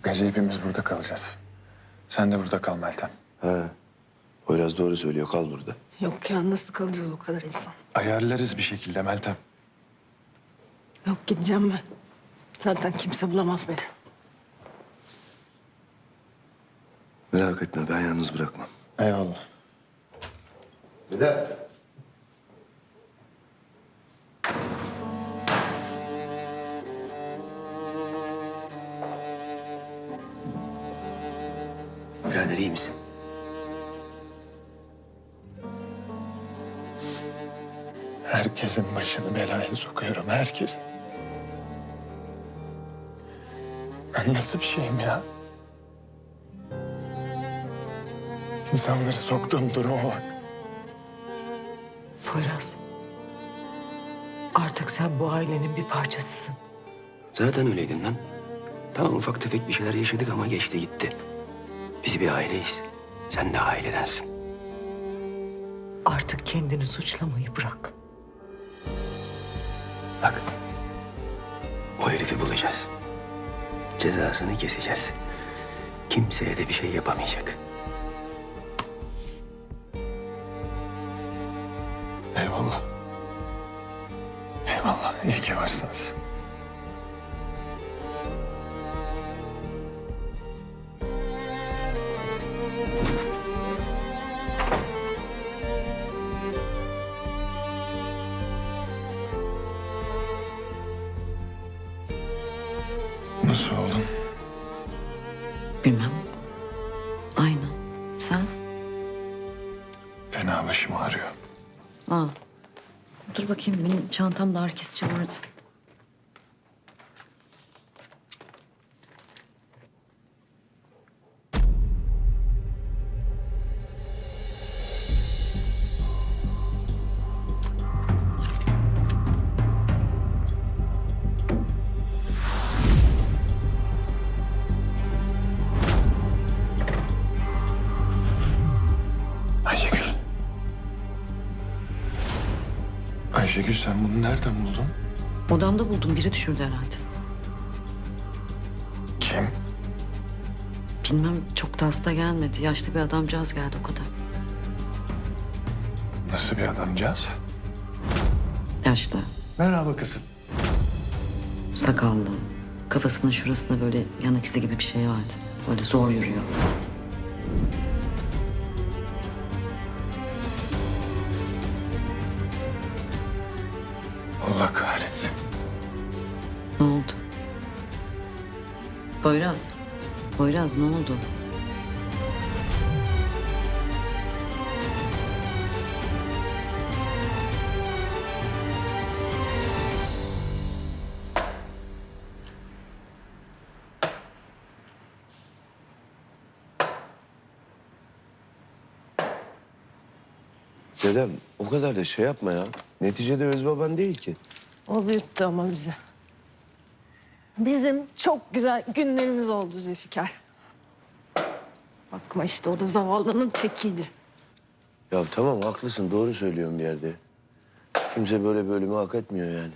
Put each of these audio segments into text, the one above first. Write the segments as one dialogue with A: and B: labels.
A: gece hepimiz burada kalacağız. Sen de burada kal Meltem.
B: He. Poyraz doğru söylüyor. Kal burada.
C: Yok ya, nasıl kalacağız o kadar insan?
A: Ayarlarız bir şekilde Meltem.
C: Yok, gideceğim ben. Zaten kimse bulamaz beni.
B: Merak etme. Ben yalnız bırakmam.
A: Eyvallah.
B: Bilal. Birader iyi misin?
A: Herkesin başını belaya sokuyorum, herkesin. Ben nasıl bir şeyim ya? İnsanları soktuğum duruma bak.
D: Poyraz. Artık sen bu ailenin bir parçasısın.
E: Zaten öyleydin lan. Tamam ufak tefek bir şeyler yaşadık ama geçti gitti. Biz bir aileyiz. Sen de ailedensin.
D: Artık kendini suçlamayı bırak.
E: Bak. O herifi bulacağız. Cezasını keseceğiz. Kimseye de bir şey yapamayacak.
A: Eyvallah. Eyvallah, iyi ki varsınız. Nasıl oldun?
D: Bilmem. Aynı. Sen?
A: Fena başım ağrıyor.
F: Aa, dur bakayım, benim çantamda ağrı kesici vardı.
A: Ayşegül. Ayşegül, sen bunu nereden buldun?
F: Odamda buldum, biri düşürdü herhalde.
A: Kim?
F: Bilmem, çok da hasta gelmedi. Yaşlı bir adamcağız geldi, o kadar.
A: Nasıl bir adamcağız?
F: Yaşlı,
A: Merhaba kızım.
F: sakallı. Kafasının şurasında böyle yanık izi gibi bir şey vardı. Böyle zor yürüyor.
A: Allah kahretsin.
F: Ne oldu? Poyraz. Poyraz, ne oldu?
B: Dedem o kadar da şey yapma ya. Neticede öz baban değil ki.
C: O büyüttü ama bizi. Bizim çok güzel günlerimiz oldu Zülfikar. Bakma işte, o da zavallının tekiydi.
B: Ya tamam haklısın. Doğru söylüyorsun bir yerde. Kimse böyle bölümü hak etmiyor yani.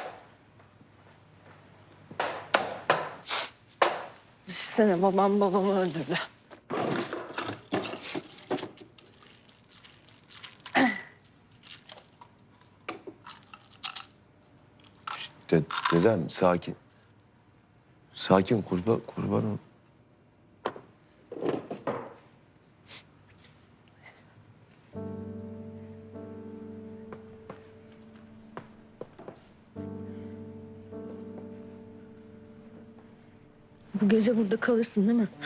C: Düşünsene, babamı öldürdü.
B: Dedem sakin. Sakin kurban ol.
C: Bu gece burada kalırsın değil mi?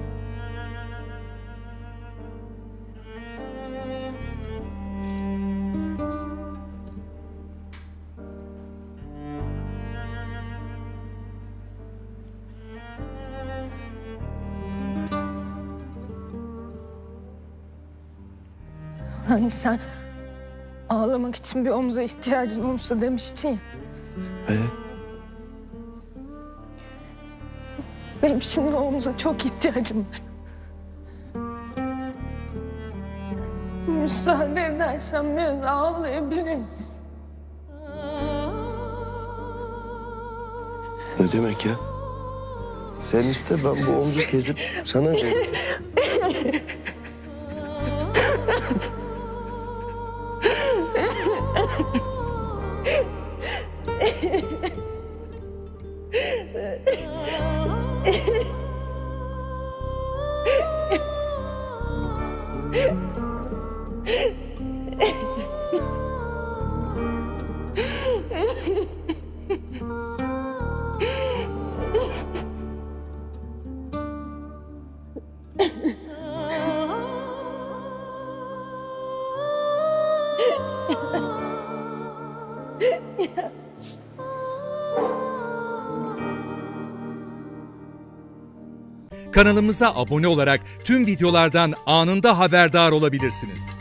C: Hani sen ağlamak için bir omuza ihtiyacın olursa demiştin ya. Benim şimdi omuza çok ihtiyacım var. Müsaade edersen biraz ağlayabilirim.
B: Ne demek ya? Sen iste, ben bu omzu kesip sana veririm.
G: Kanalımıza abone olarak tüm videolardan anında haberdar olabilirsiniz.